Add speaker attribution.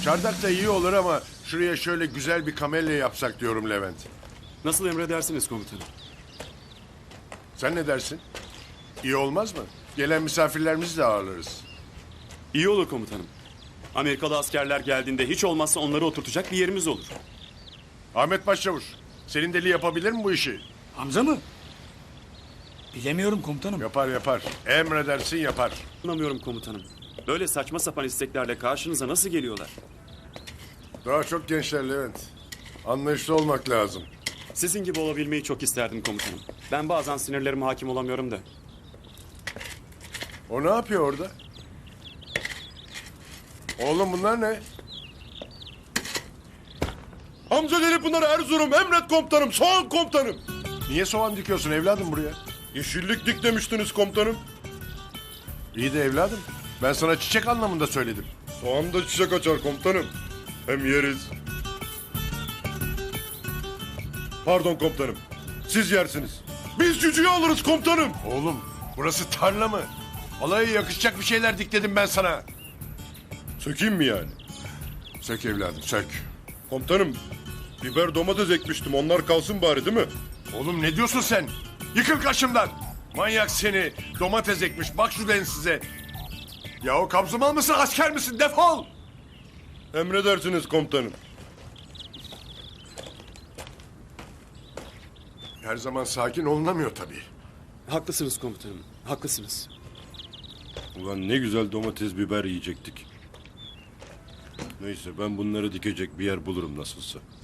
Speaker 1: Çardak da iyi olur ama şuraya şöyle güzel bir kamelya yapsak diyorum Levent.
Speaker 2: Nasıl emredersiniz komutanım?
Speaker 1: Sen ne dersin? İyi olmaz mı? Gelen misafirlerimizi de ağırlarız.
Speaker 2: İyi olur komutanım. Amerikalı askerler geldiğinde hiç olmazsa onları oturtacak bir yerimiz olur.
Speaker 1: Ahmet Başçavuş, senin deli yapabilir mi bu işi?
Speaker 3: Hamza mı? Bilemiyorum komutanım.
Speaker 1: Yapar yapar. Emredersin yapar.
Speaker 2: Anlamıyorum komutanım. Böyle saçma sapan isteklerle karşınıza nasıl geliyorlar?
Speaker 1: Daha çok gençler Levent. Anlayışlı olmak lazım.
Speaker 2: Sizin gibi olabilmeyi çok isterdim komutanım. Ben bazen sinirlerime hakim olamıyorum da.
Speaker 1: O ne yapıyor orada? Oğlum bunlar ne?
Speaker 4: Hamza Deli Pınar Erzurum, emret komutanım, soğan komutanım.
Speaker 1: Niye soğan dikiyorsun evladım buraya?
Speaker 4: Yeşillik dik demiştiniz komutanım.
Speaker 1: İyi de evladım. Ben sana çiçek anlamında söyledim.
Speaker 4: Soğan da çiçek açar komutanım. Hem yeriz. Pardon komutanım, siz yersiniz. Biz cücüğü alırız komutanım.
Speaker 1: Oğlum burası tarla mı? Alaya yakışacak bir şeyler dikledim ben sana.
Speaker 4: Sökeyim mi yani?
Speaker 1: Sök evladım sök.
Speaker 4: Komutanım, biber domates ekmiştim, onlar kalsın bari değil mi?
Speaker 1: Oğlum ne diyorsun sen? Yıkıl karşımdan. Manyak seni. Domates ekmiş. Bak şu size. Ya o kabzımal mısın asker misin? Defol.
Speaker 4: Emredersiniz komutanım.
Speaker 1: Her zaman sakin olunamıyor tabii.
Speaker 2: Haklısınız komutanım. Haklısınız.
Speaker 4: Ulan ne güzel domates biber yiyecektik. Neyse ben bunları dikecek bir yer bulurum nasılsa.